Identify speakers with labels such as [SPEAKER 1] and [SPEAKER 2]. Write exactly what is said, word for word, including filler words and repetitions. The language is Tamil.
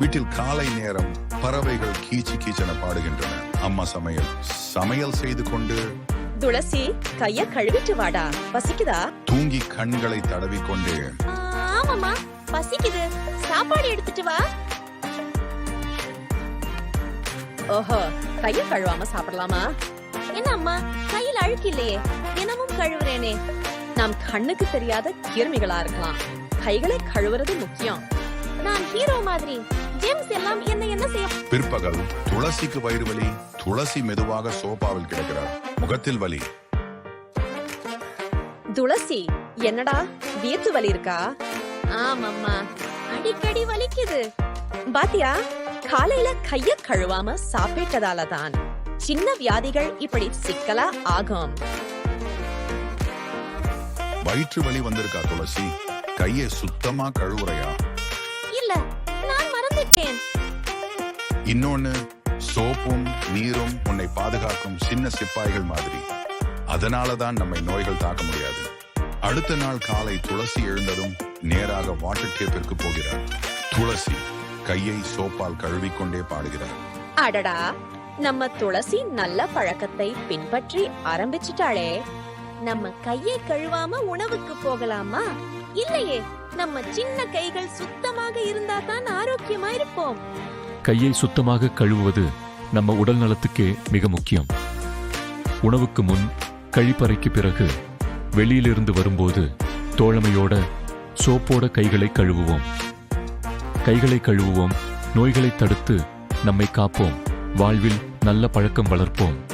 [SPEAKER 1] வீட்டில் காலை நேரம் பறவைகள் கீச்சு கீச்சென பாடுகின்றன. அம்மா சமையல் சமையல் செய்து கொண்டு
[SPEAKER 2] துளசி கைய கழுவிட்டு வாடா, பசிக்குதா?
[SPEAKER 1] தூங்கி கண்களை தடவிக்கொண்டு
[SPEAKER 2] ஆமாமா பசிக்குது, சாப்பாடு எடுத்துட்டு வா. ஓஹோ, கைய கழுவாம சாப்பிடலாமா? என்ன அம்மா, கையில அழுக்கு இல்லையே, தினமும் கழுவுறேனே. நாம் கண்ணுக்கு தெரியாத கிருமிகளா இருக்கலாம், கைகளை கழுவுறது முக்கியம். நான் ஹீரோ மாதிரி ஜேம்ஸ் எல்லாம் என்ன என்ன செய்ய.
[SPEAKER 1] பிற்பகல் துளசிக்கு வயிறு வலி. துளசி மெதுவாக சோபாவில் கிடக்கிறார், முகத்தில் வலி.
[SPEAKER 2] துளசி என்னடா வியத்து வலி இருக்கா? ஆமாம்மா, அடிக்கடி வலிக்குது. பாத்தியா, காலையில கைய கழுவாம சாப்பிட்டதால தான் சின்ன வியாதிகள் இப்படி சிக்கலா ஆகும்.
[SPEAKER 1] வயிற்று வலி வந்திருக்கா துளசி? கையை சுத்தமா கழுவுறையா?
[SPEAKER 2] இல்ல, நான் மறந்துட்டேன்.
[SPEAKER 1] இன்னொன்னு, சோப்பும் நீரும் உன்னை பாதுகாக்கும் சின்ன சிப்பாய்கள் மாதிரி. அதனாலதான் நம்மை நோய்கள் தாக்க முடியாது. அடுத்த நாள் காலை துளசி எழுந்ததும் நேராக வாட்டர் டேப்பிற்கு போகிறார். துளசி கையை சோப்பால் கழுவிக்கொண்டே பாடுகிறார்.
[SPEAKER 2] அடடா, நம்ம துளசி நல்ல பழக்கத்தை பின்பற்றி ஆரம்பிச்சிட்டாளே. நம்ம கையை கழுவாம உணவுக்கு போகலாமா? இல்லையே, நம்ம சின்ன கைகள் சுத்தமாக இருந்தா தான் ஆரோக்கியமா இருப்போம்.
[SPEAKER 3] கையை சுத்தமாக கழுவுவது நம்ம உடல் நலத்துக்கே மிக முக்கியம். உணவுக்கு முன், கழிப்பறைக்கு பிறகு, வெளியிலிருந்து வரும்போது தோழமையோட சோப்போட கைகளை கழுவுவோம். கைகளை கழுவுவோம், நோய்களை தடுத்து நம்மை காப்போம், வாழ்வில் நல்ல பழக்கம் வளர்ப்போம்.